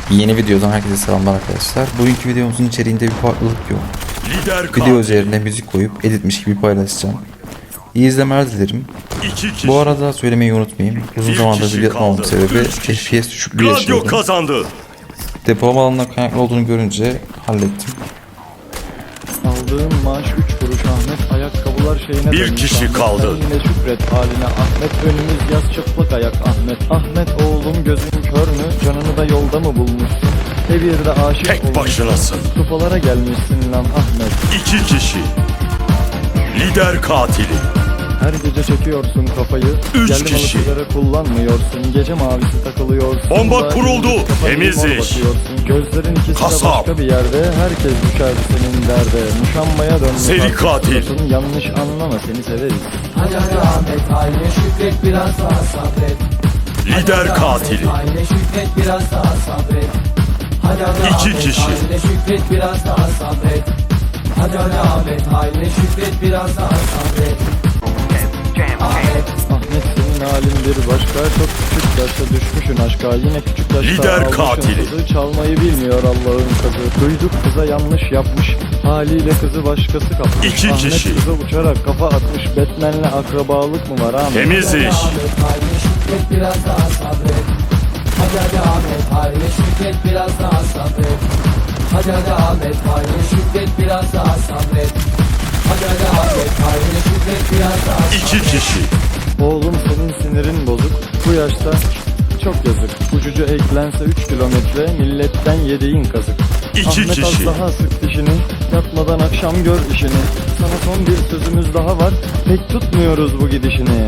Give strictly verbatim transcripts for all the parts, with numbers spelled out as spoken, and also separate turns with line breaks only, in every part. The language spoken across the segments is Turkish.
Yeni videodan herkese selamlar arkadaşlar. Bugünkü videomuzun içeriğinde bir farklılık yok. Video üzerine müzik koyup editmiş gibi paylaşacağım. İyi izlemeler dilerim. Bu arada söylemeyi unutmayayım. Uzun zamandır video atmamamın sebebi F P S düşüklüğü yaşıyordum.
Kazandı.
Depolama alanına kaynaklı olduğunu görünce hallettim.
Aldığım maaş üç kuruş Ahmet, ayakkabılar şeyine
Bir
dönmüş
kişi
Ahmet.
kaldı.
Sen yine şükret haline Ahmet, önümüz yaz çıplak ayak Ahmet. Ahmet oğlum gözün kör mü, canını da yolda mı bulmuşsun? Evirde aşık
Tek
olmuşsun,
başınasın.
kupalara gelmişsin lan Ahmet.
İki kişi. Lider katili.
Her gece çekiyorsun kafayı,
Üç
geldim
kişi.
alıcıları kullanmıyorsun. Gece mavisi takılıyorsun,
Bomba
da
kuruldu.
gündüz kafayı
Temiz
mor
iş.
bakıyorsun. Gözlerin ikisi
Kasap.
de başka bir yerde, herkes düşer senin derde. Muşambaya dönmüş
Seri
artık
katil.
suratın, yanlış anlama seni severiz.
Hadi hadi Ahmet haline şükret biraz daha sabret.
Lider katili.
Haline şükret biraz daha sabret. Hadi hadi
İki
Ahmet
kişi.
haline şükret biraz daha sabret. Hadi hadi Ahmet haline şükret biraz daha sabret. Ahmet
Ahmet senin halin bir başka, çok küçük yaşta düşmüşün aşka. Yine küçük yaşta
Lider
almışın
katili.
kızı, çalmayı bilmiyor Allah'ın kızı. Duyduk kıza yanlış yapmış, haliyle kızı başkası kapmış.
İki
Ahmet
kişi.
kıza uçarak kafa atmış, Batman'le akrabalık mı var Ahmet?
Temiz iş.
Ahmet haline şükret biraz daha sabret. Hadi hadi Ahmet haline şükret biraz daha sabret. Hadi hadi Ahmet haline şükret biraz daha sabret. Hadi hadi Ahmet haline şükret biraz daha sabret.
İki kişi.
Oğlum senin sinirin bozuk, bu yaşta çok yazık. Ucucu eklense üç kilometre, milletten yediğin kazık.
İki
Ahmet
kişi.
az daha sık dişini, yatmadan akşam gör işini. Sana son bir sözümüz daha var, pek tutmuyoruz bu gidişini.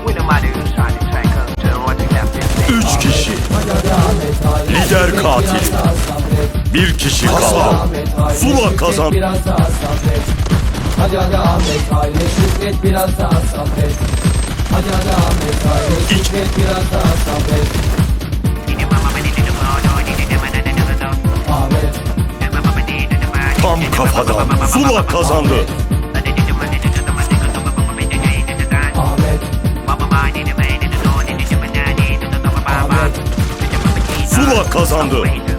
Üç kişi. Lider katili. Bir kişi kaldı. Zula kazandı.
Biraz daha sabret. Hadi hadi Ahmet haline şükret biraz daha sabret. Hadi hadi Ahmet haline şükret biraz daha sabret. Ahmet
Tam kafadan. Zula kazandı.
Ahmet
Zula kazandı.